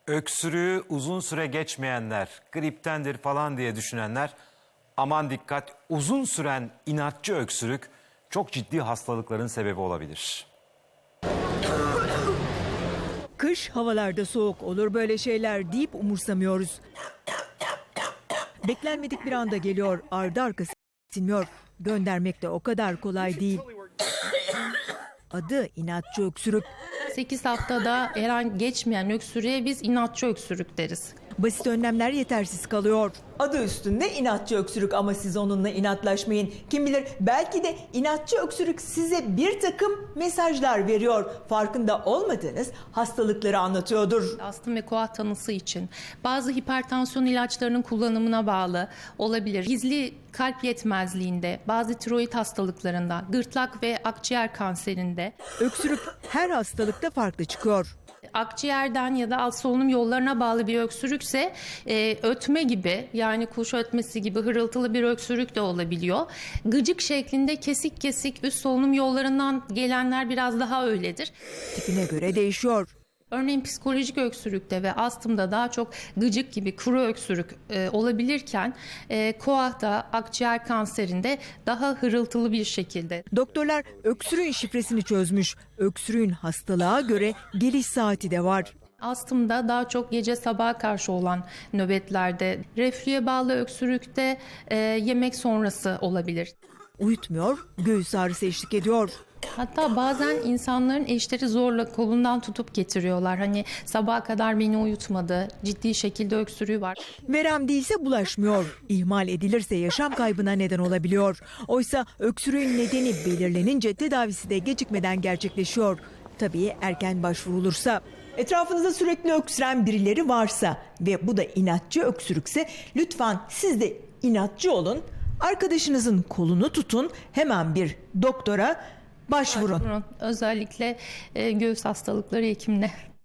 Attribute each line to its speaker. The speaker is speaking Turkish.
Speaker 1: Öksürüğü uzun süre geçmeyenler, griptendir falan diye düşünenler, aman dikkat, uzun süren inatçı öksürük çok ciddi hastalıkların sebebi olabilir.
Speaker 2: Kış, havalarda soğuk, olur böyle şeyler deyip umursamıyoruz. Beklenmedik bir anda geliyor, ardı arkası silmiyor. Göndermek de o kadar kolay değil. Adı inatçı öksürük.
Speaker 3: 8 haftada herhangi geçmeyen öksürüğe biz inatçı öksürük deriz.
Speaker 2: Basit önlemler yetersiz kalıyor. Adı üstünde inatçı öksürük ama siz onunla inatlaşmayın. Kim bilir belki de inatçı öksürük size bir takım mesajlar veriyor. Farkında olmadığınız hastalıkları anlatıyordur.
Speaker 3: Astım ve koah tanısı için bazı hipertansiyon ilaçlarının kullanımına bağlı olabilir. Gizli kalp yetmezliğinde, bazı tiroid hastalıklarında, gırtlak ve akciğer kanserinde.
Speaker 2: Öksürük her hastalıkta farklı çıkıyor.
Speaker 3: Akciğerden ya da alt solunum yollarına bağlı bir öksürükse ötme gibi, yani kuş ötmesi gibi hırıltılı bir öksürük de olabiliyor. Gıcık şeklinde kesik kesik üst solunum yollarından gelenler biraz daha öyledir.
Speaker 2: Tipine göre değişiyor.
Speaker 3: Örneğin psikolojik öksürükte ve astımda daha çok gıcık gibi kuru öksürük olabilirken koahta, akciğer kanserinde daha hırıltılı bir şekilde.
Speaker 2: Doktorlar öksürüğün şifresini çözmüş. Öksürüğün hastalığa göre geliş saati de var.
Speaker 3: Astımda daha çok gece sabaha karşı olan nöbetlerde, reflüye bağlı öksürükte yemek sonrası olabilir.
Speaker 2: Uyutmuyor, göğüs ağrısı eşlik ediyor.
Speaker 3: Hatta bazen insanların eşleri zorla kolundan tutup getiriyorlar. Hani sabaha kadar beni uyutmadı, ciddi şekilde öksürüğü var.
Speaker 2: Verem değilse bulaşmıyor. İhmal edilirse yaşam kaybına neden olabiliyor. Oysa öksürüğün nedeni belirlenince tedavisi de gecikmeden gerçekleşiyor. Tabii erken başvurulursa. Etrafınızda sürekli öksüren birileri varsa ve bu da inatçı öksürükse lütfen siz de inatçı olun. Arkadaşınızın kolunu tutun, hemen bir doktora başvurun.
Speaker 3: Özellikle göğüs hastalıkları hekimine.